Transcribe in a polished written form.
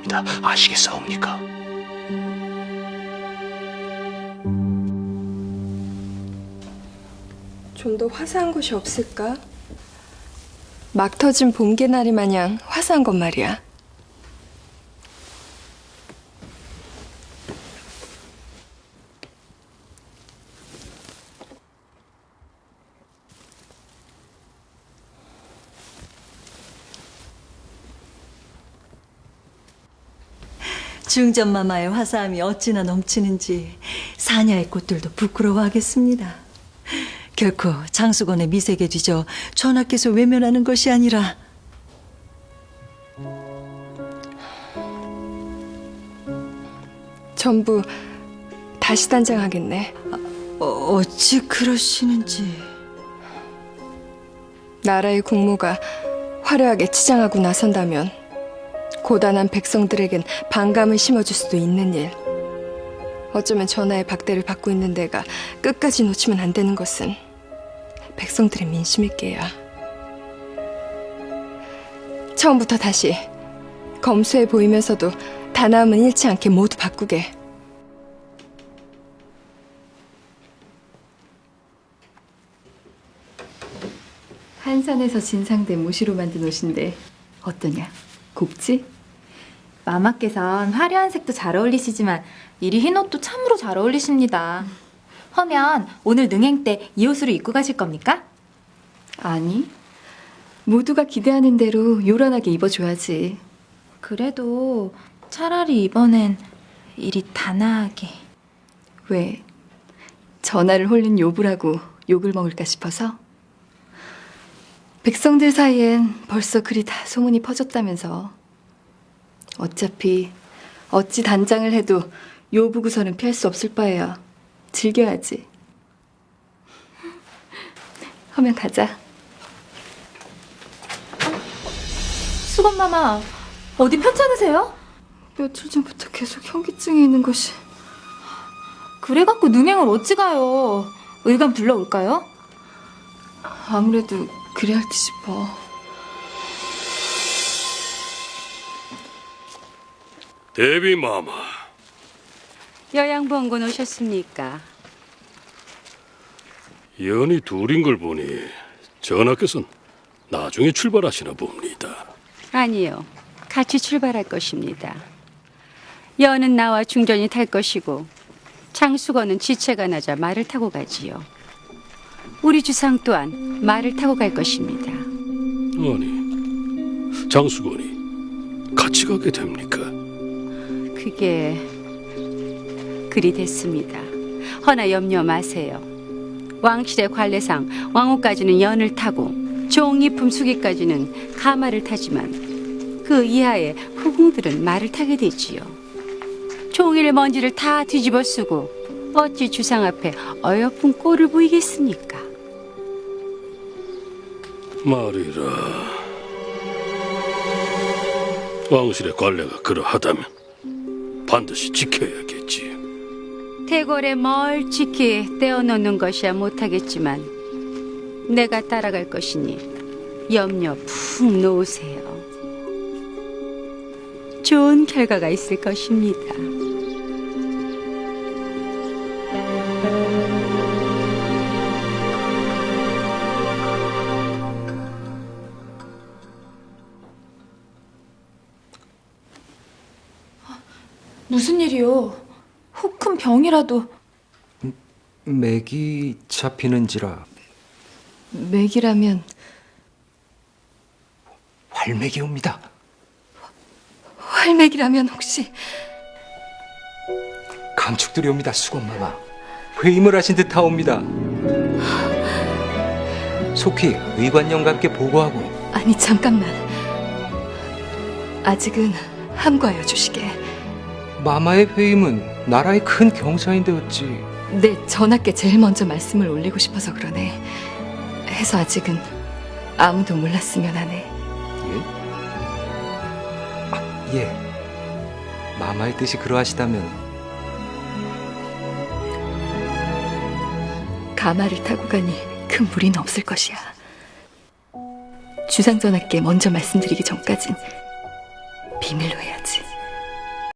있습니다. 아시겠사옵니까? 좀 더 화사한 곳이 없을까? 막 터진 봄개나리 마냥 화사한 것 말이야. 중전마마의 화사함이 어찌나 넘치는지 사냐의 꽃들도 부끄러워하겠습니다. 결코 장수건의 미색에 뒤져 전하께서 외면하는 것이 아니라 전부 다시 단장하겠네. 어찌 그러시는지. 나라의 국모가 화려하게 치장하고 나선다면 고단한 백성들에겐 반감을 심어줄 수도 있는 일. 어쩌면 전하의 박대를 받고 있는 내가 끝까지 놓치면 안 되는 것은 백성들의 민심일 게야. 처음부터 다시 검소해 보이면서도 단아함은 잃지 않게 모두 바꾸게. 한산에서 진상된 모시로 만든 옷인데 어떠냐? 곱지? 마마께선 화려한 색도 잘 어울리시지만 이리 흰 옷도 참으로 잘 어울리십니다. 허면 오늘 능행 때 이 옷으로 입고 가실 겁니까? 아니, 모두가 기대하는 대로 요란하게 입어줘야지. 그래도 차라리 이번엔 이리 단아하게. 왜? 전하를 홀린 요부라고 욕을 먹을까 싶어서? 백성들 사이엔 벌써 그리 다 소문이 퍼졌다면서. 어차피 어찌 단장을 해도 요부구설은 피할 수 없을 바에야 즐겨야지. 하면 가자. 수건마마, 어디 편찮으세요? 며칠 전부터 계속 현기증이 있는 것이. 그래갖고 능행을 어찌 가요? 의관 불러올까요? 아무래도 그래야 할지 싶어. 대비마마, 여양봉군 오셨습니까? 연이 둘인 걸 보니 전하께서는 나중에 출발하시나 봅니다. 아니요, 같이 출발할 것입니다. 여는 나와 중전이 탈 것이고 장수건은 지체가 나자 말을 타고 가지요. 우리 주상 또한 말을 타고 갈 것입니다. 아니, 장수건이 같이 가게 됩니까? 그게 그리 됐습니다. 허나 염려 마세요. 왕실의 관례상 왕후까지는 연을 타고 종이품 수기까지는 가마를 타지만 그 이하의 후궁들은 말을 타게 되지요. 종일 먼지를 다 뒤집어 쓰고 어찌 주상 앞에 어여쁜 꼴을 보이겠습니까? 말이라, 왕실의 관례가 그러하다면 반드시 지켜야겠지. 대궐에 멀찍이 떼어놓는 것이야 못하겠지만 내가 따라갈 것이니 염려 푹 놓으세요. 좋은 결과가 있을 것입니다. 무슨 일이요? 혹 큰 병이라도. 맥이 잡히는지라. 맥이라면 활맥이 옵니다. 활맥이라면 혹시 감축들이 옵니다. 수건마마, 회임을 하신 듯하옵니다. 속히 의관령과 함께 보고하고. 아니 잠깐만. 아직은 함과하여 주시게. 마마의 회임은 나라의 큰 경사인데 어찌. 내 전하께 제일 먼저 말씀을 올리고 싶어서 그러네. 해서 아직은 아무도 몰랐으면 하네. 예? 아, 예. 마마의 뜻이 그러하시다면. 가마를 타고 가니 큰 무리는 없을 것이야. 주상 전하께 먼저 말씀드리기 전까진 비밀로 해야